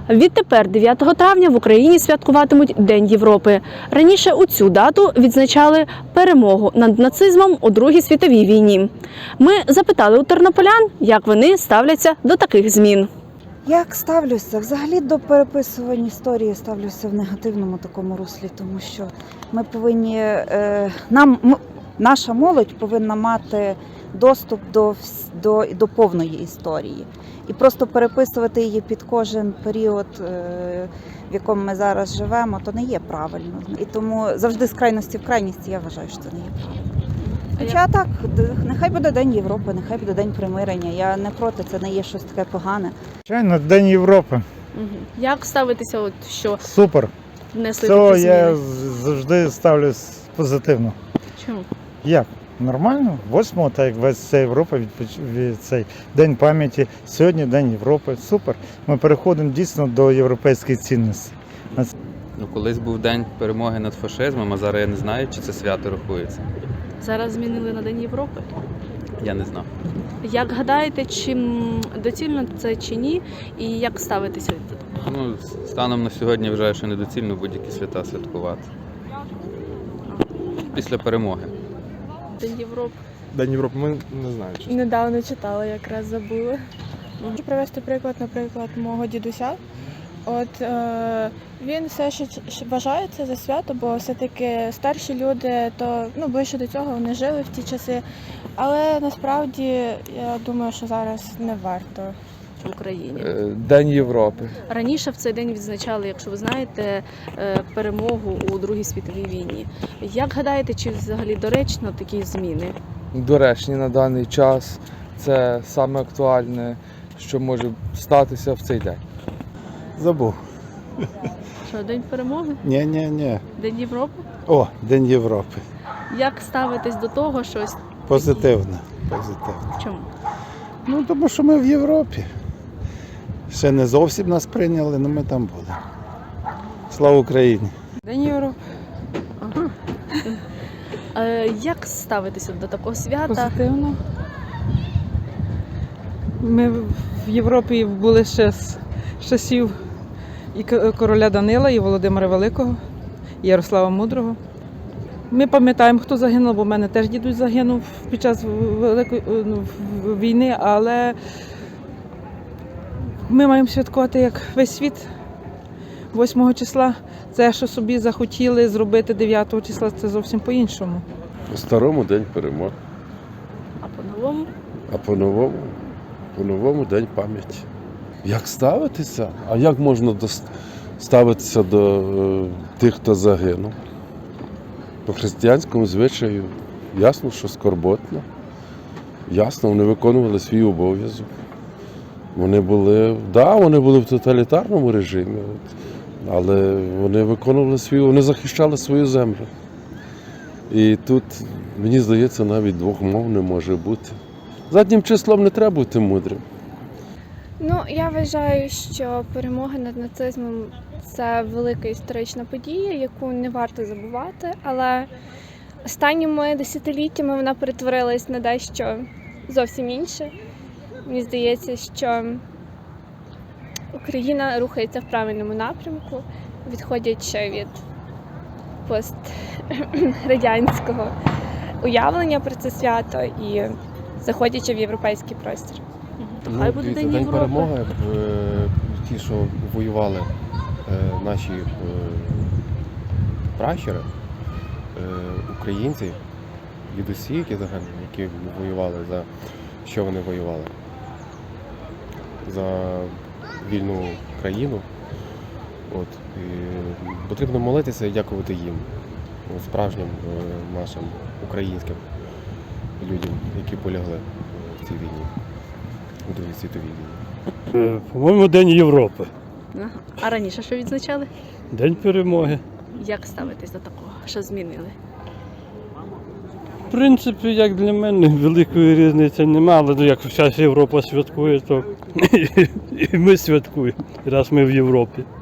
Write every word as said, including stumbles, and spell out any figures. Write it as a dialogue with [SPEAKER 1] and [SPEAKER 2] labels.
[SPEAKER 1] Відтепер, дев'ятого травня, в Україні святкуватимуть День Європи. Раніше у цю дату відзначали перемогу над нацизмом у Другій світовій війні. Ми запитали у тернополян, як вони ставляться до таких змін.
[SPEAKER 2] Як ставлюся? Взагалі до переписування історії ставлюся в негативному такому руслі, тому що ми повинні, е, нам, м, наша молодь повинна мати доступ до, до, до повної історії. І просто переписувати її під кожен період, е, в якому ми зараз живемо, то не є правильно. І тому завжди з крайності в крайність я вважаю, що це не є правильно. Хоча так, нехай буде День Європи, нехай буде День примирення. Я не проти, це не є щось таке погане.
[SPEAKER 3] Звичайно, День Європи.
[SPEAKER 1] Як ставитися, от, що
[SPEAKER 3] Супер.
[SPEAKER 1] внесли
[SPEAKER 3] Цього
[SPEAKER 1] такі зміни?
[SPEAKER 3] я завжди ставлюсь позитивно.
[SPEAKER 1] Чому?
[SPEAKER 3] Як? Нормально. восьмого, так як весь вся Європа, відпоч... від цей День пам'яті. Сьогодні День Європи. Супер. Ми переходимо дійсно до європейських цінностей.
[SPEAKER 4] Ну, колись був день перемоги над фашизмом, а зараз я не знаю, чи це свято рахується.
[SPEAKER 1] Зараз змінили на День Європи.
[SPEAKER 4] Я не знав.
[SPEAKER 1] Як гадаєте, чи м, доцільно це чи ні, і як ставитися до того?
[SPEAKER 4] Ну, станом на сьогодні я вважаю, що недоцільно будь-які свята святкувати. Після перемоги.
[SPEAKER 1] День Європи.
[SPEAKER 5] День Європи, ми не знаю. Чесно.
[SPEAKER 6] Недавно читала, якраз забула. Можу привести приклад, наприклад, мого дідуся. От е, він все ще ч- вважає це за свято, бо все-таки старші люди, то ну ближче до цього вони жили в ті часи. Але насправді я думаю, що зараз не варто.
[SPEAKER 1] В Україні.
[SPEAKER 5] День Європи.
[SPEAKER 1] Раніше в цей день відзначали, якщо ви знаєте, е, перемогу у Другій світовій війні. Як гадаєте, чи взагалі доречно такі зміни?
[SPEAKER 5] Доречні на даний час. Це саме актуальне, що може статися в цей день.
[SPEAKER 7] Забув.
[SPEAKER 1] Що, День перемоги?
[SPEAKER 7] Ні, ні, ні.
[SPEAKER 1] День Європи?
[SPEAKER 7] О, День Європи.
[SPEAKER 1] Як ставитесь до того, що ось
[SPEAKER 7] Позитивно. Позитивно.
[SPEAKER 1] чому?
[SPEAKER 7] Ну, тому що ми в Європі. Ще не зовсім нас прийняли, але ми там були. Слава Україні!
[SPEAKER 6] День Європи.
[SPEAKER 1] Ага. Е, як ставитися до такого свята?
[SPEAKER 8] Позитивно. Ми в Європі були ще з часів і к- короля Данила, і Володимира Великого, і Ярослава Мудрого. Ми пам'ятаємо, хто загинув, бо в мене теж дідусь загинув під час Великої ну, в- війни, але ми маємо святкувати як весь світ восьмого числа. Це, що собі захотіли зробити дев'ятого числа, це зовсім по-іншому.
[SPEAKER 9] По-старому день перемоги,
[SPEAKER 1] А по-новому?
[SPEAKER 9] а по-новому, по-новому день пам'яті. Як ставитися? А як можна дос- ставитися до е, тих, хто загинув? По християнському звичаю ясно, що скорботно. Ясно, вони виконували свій обов'язок. Вони були, да, вони були в тоталітарному режимі, от, але вони виконували свій, вони захищали свою землю. І тут, мені здається, навіть двох мов не може бути. Заднім числом не треба бути мудрим.
[SPEAKER 6] Ну, я вважаю, що перемога над нацизмом – це велика історична подія, яку не варто забувати, але останніми десятиліттями вона перетворилась на дещо зовсім інше. Мені здається, що Україна рухається в правильному напрямку, відходячи від пострадянського уявлення про це свято і заходячи в європейський простір.
[SPEAKER 1] То хай буде День Європи.
[SPEAKER 10] перемоги, ті, що воювали е, наші е, пращури, е, українці, дідусі, які загинули, які воювали, за що вони воювали? За вільну країну. От, і потрібно молитися і дякувати їм, справжнім е, нашим українським людям, які полягли в цій війні. У Другій світовій війні.
[SPEAKER 11] По-моєму, День Європи.
[SPEAKER 1] Ага. А раніше що відзначали?
[SPEAKER 11] День перемоги.
[SPEAKER 1] Як ставитись до такого? Що змінили?
[SPEAKER 11] В принципі, як для мене, великої різниці немає, але як вся Європа святкує, то і ми святкуємо, раз ми в Європі.